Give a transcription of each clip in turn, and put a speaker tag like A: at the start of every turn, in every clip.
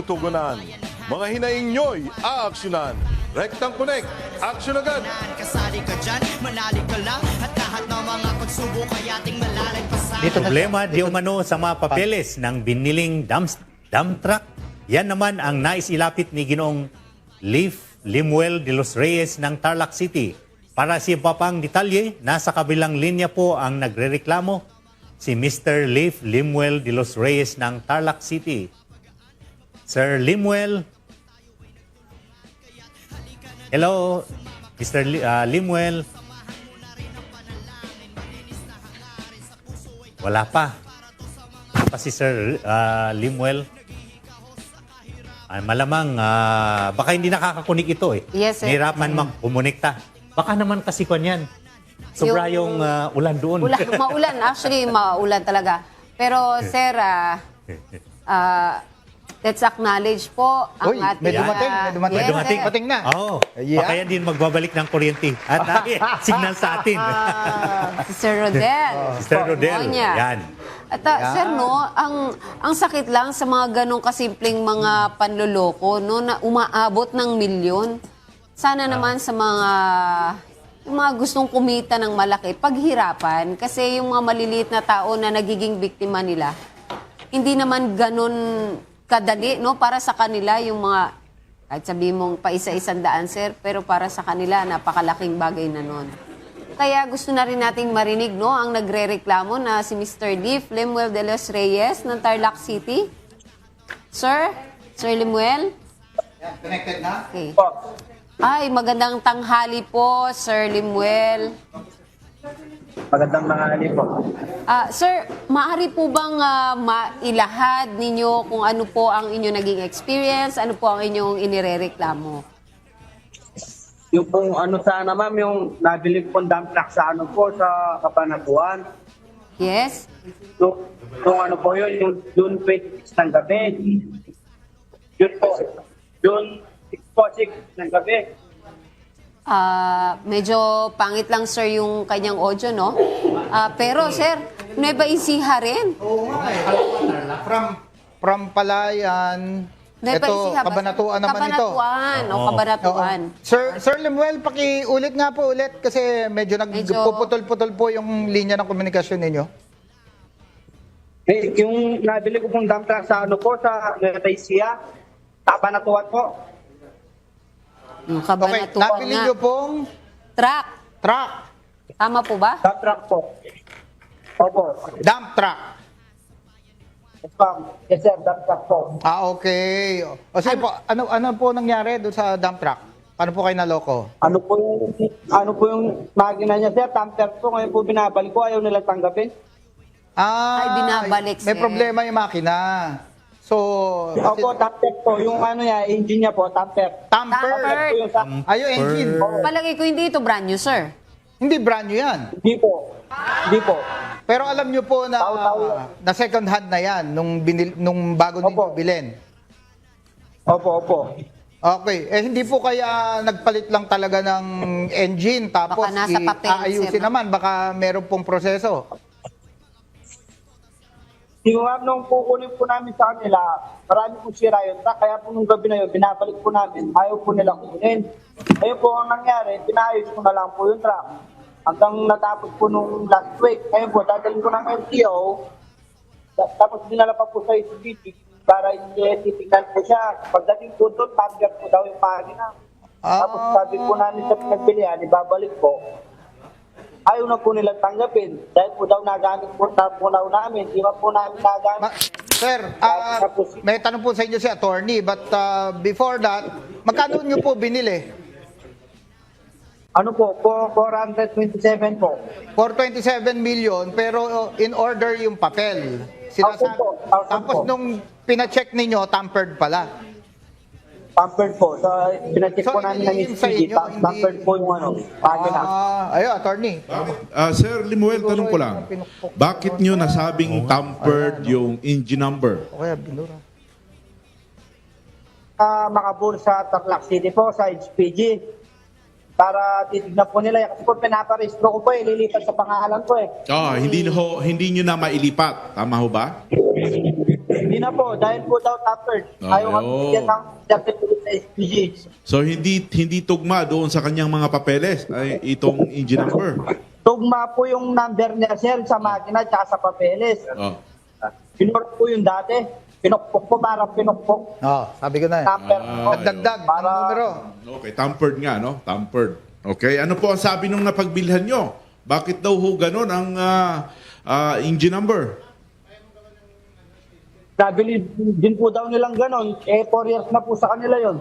A: matutugunan. Mga hinaing nyo'y aaksyonan. Rectang Connect, aksyon agad!
B: Kasali ka dyan, manali ka lang. At lahat ng mga pagsubok ay ating malalagpasan.
C: Problema di umano sa mga papeles ng biniling dump truck. Yan naman ang nais ilapit ni Ginoong Leif Limuel de los Reyes ng Tarlac City. Para sa iba pang detalye, nasa kabilang linya po ang nagrereklamo si Mr. Leif Limuel de los Reyes ng Tarlac City. Sir Limuel. Hello, Mr. Limuel. Wala pa. Wala pa si Sir Limuel. Malamang, baka hindi nakakakunik ito eh.
D: Yes, sir.
C: Nahirapan kumonekta. Baka naman kasi kwan yan. Sobra yung ulan doon.
D: Maulan, actually maulan talaga. Pero sir, let's acknowledge po ang
E: Uy,
D: ating...
E: may dumating, may dumating.
D: Yes,
C: dumating.
D: sir.
E: Dumating na.
C: Oo.
E: Yeah.
C: Baka yan din magbabalik ng kuryente. At signal sa atin.
D: Si Sir Rodel.
C: Sister Rodel.
D: Monya.
C: Yan.
D: At sir, no, ang sakit lang sa mga ganong kasimpleng mga panloloko, no, na umaabot ng milyon. Sana naman sa yung mga gustong kumita ng malaki, paghirapan. Kasi yung mga maliliit na tao na nagiging biktima nila, hindi naman ganon kadali, no, para sa kanila yung mga, kahit sabihin mong pa isa-isang daan, sir, pero para sa kanila, napakalaking bagay na nun. Kaya gusto na rin nating marinig, no, ang nagrereklamo na si Mr. Leif Limuel de los Reyes ng Tarlac City. Sir? Sir Limuel?
E: Connected na?
D: Okay. Ay, magandang tanghali po, Sir Limuel.
F: Magandang tanghali po.
D: Sir, maaari po bang mailahad ninyo kung ano po ang inyong naging experience, ano po ang inyong inirereklamo?
F: Yung pong ano sana ma'am, yung nabili pong dump truck sa ano po, sa Kapanatuan.
D: Yes?
F: Yung ano po yun, yung June 26 ng gabi. Yun po, June 6 ng gabi.
D: Medyo pangit lang, sir, yung kanyang audio, no? Pero, sir, Nueva Ecija rin.
E: Oo nga eh. From Palayan.
D: Nueva
E: Ito,
D: Ecija ba?
E: Kabanatuan naman ito.
D: Kabanatuan, o Kabanatuan.
E: Sir Lemuel, ulit nga po kasi medyo
D: Medyo-
E: nagpuputol-putol po yung linya ng komunikasyon ninyo.
F: Eh, yung nabili ko pong dump truck sa ano po, sa Nueva Ecija, Kapanatuan po.
D: Yung
E: Okay,
D: Kabanatuan
E: nabili
D: nga.
E: nyo pong
D: Truck.
E: truck,
D: Tama po ba?
F: Dump truck po. Opo.
E: dump truck.
F: Yes, ma'am. Yes, sir, dump truck po.
E: Okay. O sige po, ano po nangyari doon sa dump truck? Paano po kayo naloko?
F: Ano po yung makina niya, sir? Tamper po. Ngayon po binabalik ko. Ayaw nila tanggapin.
D: Ay, binabalik,
E: May
D: sir.
E: problema yung makina. So,
F: Opo, tamper po. Yung ano niya, engine niya po, tamper.
E: tamper.
D: Tamper.
F: Po yung sa...
E: Yung engine.
D: Palagay ko hindi ito brand new, sir.
E: Hindi brand new yan.
F: Hindi po. Hindi po.
E: Pero alam nyo po na, na second hand na yan nung bago ninyo
F: Opo.
E: bilhin.
F: Opo.
E: Okay. Hindi po kaya nagpalit lang talaga ng engine tapos
D: Baka nasa papel,
E: aayusin
D: sir, no?
E: naman. Baka meron pong proseso.
F: Yung ma'am, nung kukunin po namin sa kanila, marami po sira yun. Kaya po nung gabi na yun, binabalik po namin. Ayaw po nila kunin. Ayun po ang nangyari, pinayos ko na lang po yung truck. Hanggang natapos po nung last week. Ayun po, dadalhin ko ng LTO. Tapos dinala pa po sa SBT para titignan po siya. Pagdating po doon, target po daw yung makina. Tapos sabi po namin sa pinagbilihan, ibabalik po. Ayaw na po nilang tanggapin. Dahil po daw nagamit po namin. Di ba po namin nagamit?
E: Sir, may tanong po sa inyo si attorney, but before that, magkano nyo po binili?
F: Ano po? 427 po.
E: 427 million, pero in order yung papel.
F: Opo.
E: Tapos nung pina-check ninyo, tampered pala.
F: Pampered po. So, pinacheck
E: So,
F: po namin ng
E: iniin sa
F: SPG.
E: inyo,
F: Pampered po yung ano, pagina.
E: Ayun, attorney.
G: Sir Limuel, tanong ko lang. Bakit nyo nasabing tampered yung engine number?
E: O kaya binura.
F: Makabur sa Tarlac City po, sa SPG. Para titignan po nila. Kasi po pinaparehistro ko po lilipat sa pangalan ko
G: Hindi nyo na mailipat. Tama ho ba?
F: Hindi na po, dahil po daw tampered. Ayaw kami
G: Oo.
F: bigyan ng certificate sa SPG.
G: So hindi tugma doon sa kanyang mga papeles ay itong engine number.
F: Tugma po yung number niya, sir, sa makina at sa papeles.
G: Oh.
F: Pinurok po yung dati. Pinukpok po, parang pinukpok.
E: Sabi ko na eh.
F: Number po.
E: Nagdagdag ng
F: Para-
E: numero.
G: Okay, tampered nga, no? Tampered. Okay, ano po ang sabi nung napagbilhan nyo? Bakit daw ho ganun ang engine number?
F: Nabili din po daw nilang ganon. 4 years na po sa kanila yon.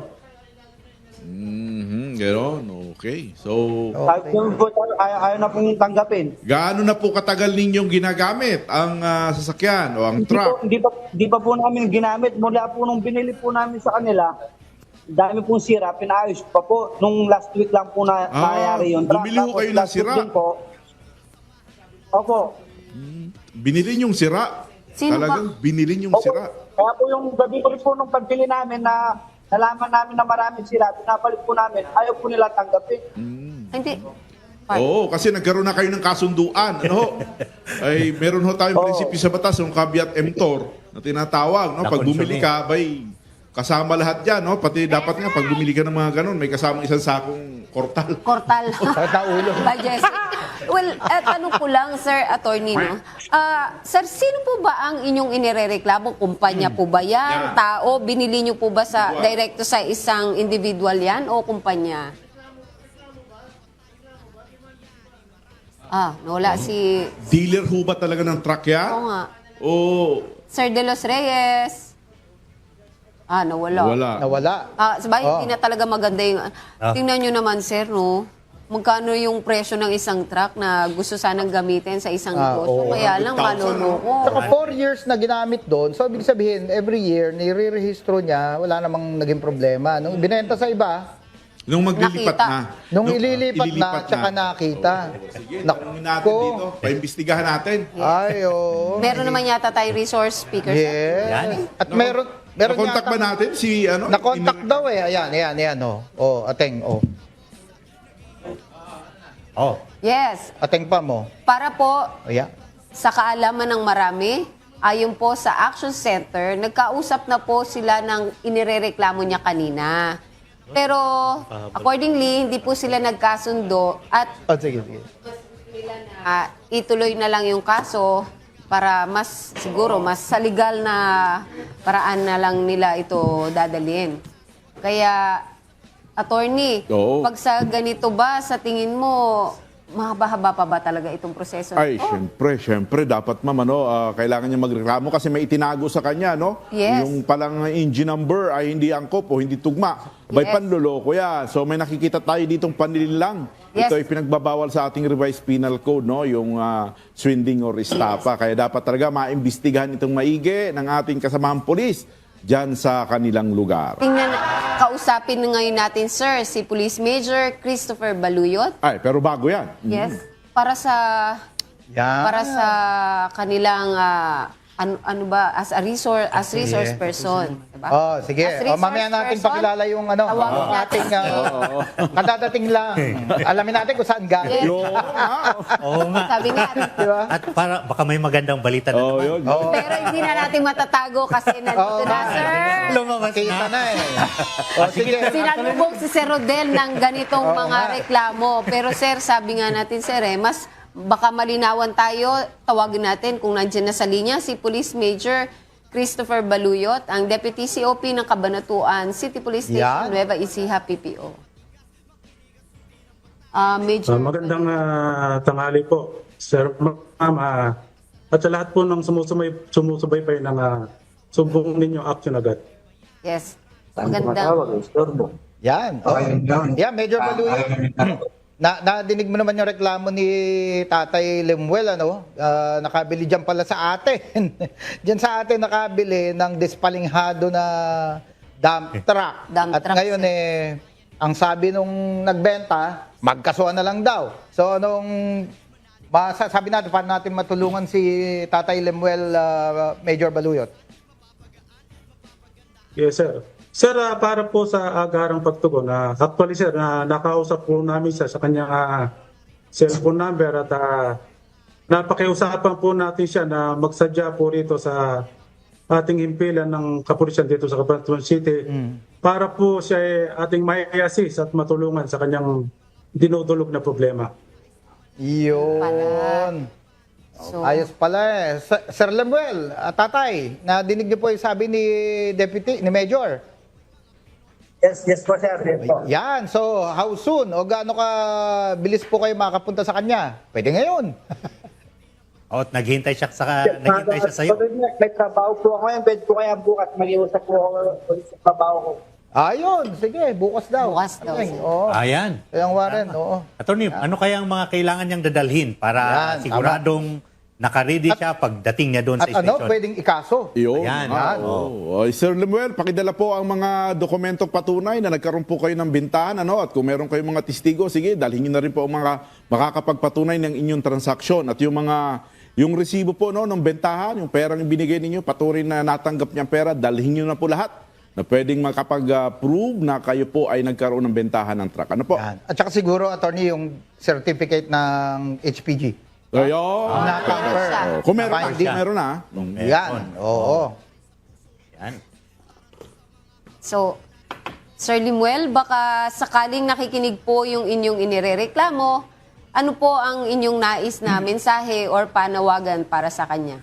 G: Ganon, okay. So,
F: Kahit yung po, ayaw na pong tanggapin.
G: gaano na po katagal ninyong ginagamit ang sasakyan o ang truck?
F: Hindi pa po namin ginamit. Mula po nung binili po namin sa kanila, dami pong sira, pinaayos pa po. Nung last week lang po na nangyari yun.
G: bumili ho
F: Tapos
G: kayo ng
F: last week
G: sira?
F: din po, opo.
G: Binili nyong sira?
D: Sino
G: Talagang binili nyong
F: Opo.
G: sira?
F: Kaya po yung gabi ko rin po nung pagbili namin na nalaman namin na maraming sira, pinapalik po namin, ayaw po nila tanggapin.
D: Hindi.
G: Oo, kasi nagkaroon na kayo ng kasunduan. Ano ho? Ay, meron ho tayong prinsipyo sa batas, yung caveat emptor na tinatawag. No?
C: Na
G: Pag bumili
C: consuming.
G: ka, bay, kasama lahat yan. No? Pati dapat nga, pag bumili ka ng mga ganun, may kasamang isang sakong kortal.
D: Kortal.
E: Kahit na ulo.
D: Budget. Well, tanong ko lang, Sir Attorney, no? Sir, sino po ba ang inyong inirereklamo? Kumpanya po ba yan?
G: Yan.
D: Tao? Binili niyo po ba sa
G: Individual.
D: direkto sa isang individual yan o kumpanya? Nawala si...
G: Dealer ho ba talaga ng truck yan?
D: Oo nga.
G: O
D: Sir De Los Reyes. Nawala.
G: wala?
E: Nawala.
D: Sabay, hindi na talaga maganda yung... Tingnan nyo naman, sir, no? Magkano yung presyo ng isang truck na gusto sanang gamitin sa isang negosyo?
E: oo.
D: Kaya lang,
G: 100,000,
D: maloloko.
E: Saka 4 years na ginamit doon. So, ibig sabihin, every year, nire-rehistro niya, wala namang naging problema. Nung binenta sa iba,
G: Nung maglilipat
D: Nakita.
G: na.
E: nung ililipat na, tsaka nakita.
G: Sige, tanungin natin dito. Paimbestigahan natin.
E: Ay, oo.
D: Meron naman yata tayo resource speaker. sir.
E: Yes. At meron
G: Nakontak
E: yata-
G: ba natin si ano?
E: Na-contact daw eh. Ayan, oh. Oh, ateng, oh.
C: Oh,
D: Yes.
E: Ateng pa mo.
D: Para po
E: Ayan.
D: sa kaalaman ng marami, ayon po sa Action Center, nagkausap na po sila ng inirereklamo niya kanina. Pero accordingly, hindi po sila nagkasundo at
E: Oh, sige, sige.
D: ituloy na lang yung kaso para mas siguro mas sa legal na paraan na lang nila ito dadalhin. Kaya attorney,
G: Oo.
D: pag sa ganito ba sa tingin mo mahaba-haba pa ba talaga itong proseso?
A: Ay, syempre, dapat ma'am, kailangan niya magreklamo kasi may itinago sa kanya, no?
D: Yes.
A: Yung palang engine number ay hindi angkop o hindi tugma. By
D: Yes.
A: panloloko yan. So may nakikita tayo ditong panlilinlang.
D: Yes.
A: Ito ay pinagbabawal sa ating revised penal code, no? Yung swindling or estafa. Kaya dapat talaga maimbestigahan itong maigi ng ating kasamahang polis dyan sa kanilang lugar.
D: Kausapin na ngayon natin, sir, si Police Major Christopher Baluyot.
A: Ay, pero bago yan.
D: Yes. Para sa
E: Yan.
D: para sa kanilang ano ba as resource person, diba?
E: Oh, sige.
D: As resource
E: Mamaya natin
D: person,
E: pakilala yung ano,
D: tawagin
E: yung
D: natin.
E: ating kadadating lang. Alamin natin kung saan galing.
D: Yes.
C: oo nga.
D: Sabi nga,
E: Di ba?
C: At para baka may magandang balita na
A: Oh,
C: naman.
A: yun.
D: pero hindi na natin matatago kasi nandito na, sir.
C: Lumabas
E: Kita
C: na.
E: na eh. Oh, sige.
D: Sinalubong si Sir Rodel ng ganitong mga reklamo. Pero sir, sabi nga natin, sir, mas baka malinawan tayo, tawagin natin kung nandiyan na sa linya si Police Major Christopher Baluyot, ang Deputy COP ng Cabanatuan City Police Station,
E: Yan.
D: Nueva Ecija, PPO. Major
H: Magandang tanghali po, Sir Ma'am. At sa lahat po ng sumusubaybay ng sumbong ninyo action agad.
D: Yes. Magandang.
E: Yan. Oh. Yan, Major Baluyo. Nadinig mo naman yung reklamo ni Tatay Lemuel, ano? Nakabili dyan pala sa atin. Dyan sa atin nakabili ng dispalinghado na dump truck.
D: Dump
E: At
D: truck,
E: ngayon ang sabi nung nagbenta, magkasuhan na lang daw. So anong masasabi natin, paano natin matulungan si Tatay Lemuel, Major Baluyot?
H: Yes, sir. Sir, para po sa agarang pagtugon, actually sir, nakausap po namin siya sa kanyang cellphone number at napakiusapan po natin siya na magsadya po rito sa ating himpilan ng kapulisan dito sa Cabanatuan City para po siya ay ating may assist at matulungan sa kanyang dinudulog na problema.
E: Yun.
D: So,
E: Ayos pala eh. Sir Lemuel, tatay, nadinig niyo po yung sabi ni Deputy, ni Major.
F: Yes po sir. Yes po.
E: Yan, so how soon o gaano ka bilis po kayo makapunta sa kanya? Pwede ngayon.
C: O, naghihintay siya sa iyo.
F: May trabaho po ako ngayon. Pwede po kaya bukas mag-iusap po ako ulit sa trabaho ko.
E: Ayun, sige, bukas daw.
D: Bukas daw,
E: Okay,
D: sige.
E: oo.
C: Ayan.
E: Kaya Warren, oo.
C: Attorney, ano kaya ang mga kailangan niyang dadalhin para
E: Yan,
C: siguradong naka-ready siya pagdating niya doon
E: At
C: sa
E: ano,
C: station?
E: pwedeng ikaso.
A: Yun.
C: Ayan.
A: Oo. Sir Lemuel, pakidala po ang mga dokumentong patunay na nagkaroon po kayo ng bintahan. Ano? At kung meron kayong mga testigo, sige, dalhin niyo na rin po ang mga makakapagpatunay ng inyong transaksyon. At yung resibo po no, ng bentahan, yung perang binigay ninyo, patuloy na natanggap niyang pera, dalhin niyo na po lahat na pwedeng makapag-prove na kayo po ay nagkaroon ng bentahan ng truck. Ano po?
E: Yan. At saka siguro, attorney, yung certificate ng HPG.
A: Ayun.
E: Na-confirm.
A: Oh, kung meron na,
E: Finding.
A: kung meron na.
E: Yan, oo.
C: Yan.
D: So, Sir Limuel, baka sakaling nakikinig po yung inyong inirereklamo, ano po ang inyong nais na mensahe or panawagan para sa kanya?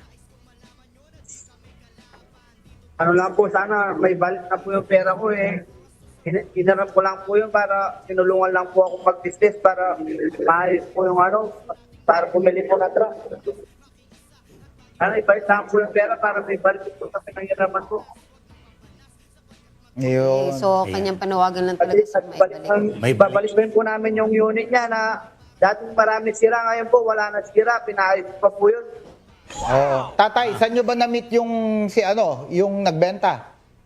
F: Ano lang po, sana may balik na po yung pera ko eh. Inarap ko lang po yun para tinulungan lang po ako mag-business para maayos po yung para bumili po na truck. Sana ibalik lang po yung pera para may balik po sa pinangyaraman po.
E: Yun.
D: So, kanyang panawagan lang talaga sa maibalik.
C: May balik.
F: Babalik rin po namin yung unit niya na dating marami sira, ngayon po wala na sira, pinaayos pa po yun.
E: Oo. Tatay, saan nyo ba na-meet yung yung nagbenta?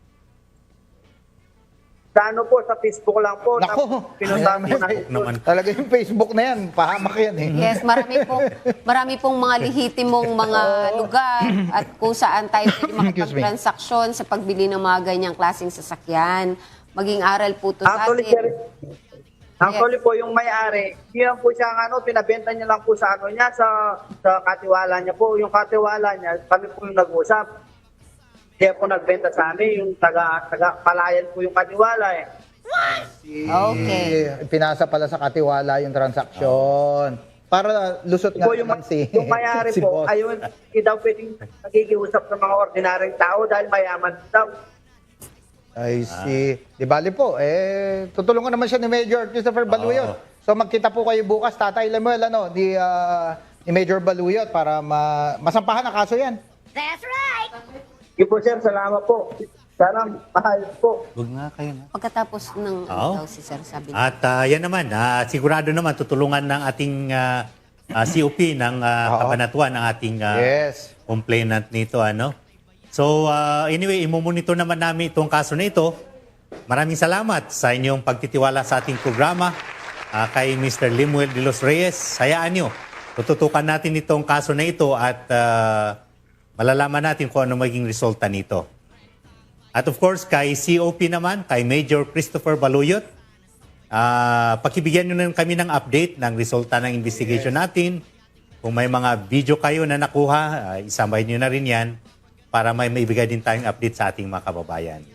F: Sa po, sa Facebook lang po.
E: Nako.
F: Pinuntahan po namin.
C: Naman.
E: Talaga yung Facebook na yan, pahamak yan eh.
D: Yes, marami pong mga lihitimong mga lugar at kung saan tayo pwede
E: Excuse me.
D: makapagtransaksyon sa pagbili ng mga ganyang klaseng sasakyan. Maging aral po to sa
F: Actually, sir,
D: atin.
F: actually po yung may-ari, hindi lang po siya pinabenta niya lang po sa niya, sa katiwala niya po. Yung katiwala niya, kami po yung nag-usap. Kaya po nagbenta sa amin, yung taga-palayan po yung katiwala eh.
D: Okay.
E: Pinasa pala sa katiwala yung transaksyon. Para lusot nga
F: Po yung
E: naman si
F: may-ari
E: si
F: po,
E: boss.
F: ayun, hindi daw pwedeng nagigiusap sa mga ordinaryong tao dahil mayaman daw.
E: I see. Di bali po, tutulungan naman siya ni Major Christopher Baluyot. So magkita po kayo bukas, Tatay Lemuel, ni Major Baluyot para masampahan ang kaso yan.
F: Sige po sir, salamat po. Sana mahal po.
C: Huwag nga kayo na.
D: Pagkatapos ng
C: Oo.
D: daw si Sir sabi niya.
C: At yan naman, sigurado naman tutulungan ng ating COP ng Cabanatuan ang ating
E: Yes.
C: complainant nito. So anyway, imomonitor naman namin itong kaso na ito. Maraming salamat sa inyong pagtitiwala sa ating programa kay Mr. Limuel de los Reyes. Hayaan nyo, tututukan natin itong kaso na ito at malalaman natin kung ano maging resulta nito. At of course, kay COP naman, kay Major Christopher Baluyot, pakibigyan nyo na kami ng update ng resulta ng investigation natin. Kung may mga video kayo na nakuha, isambay nyo na rin yan para may maibigay din tayong update sa ating mga kababayan.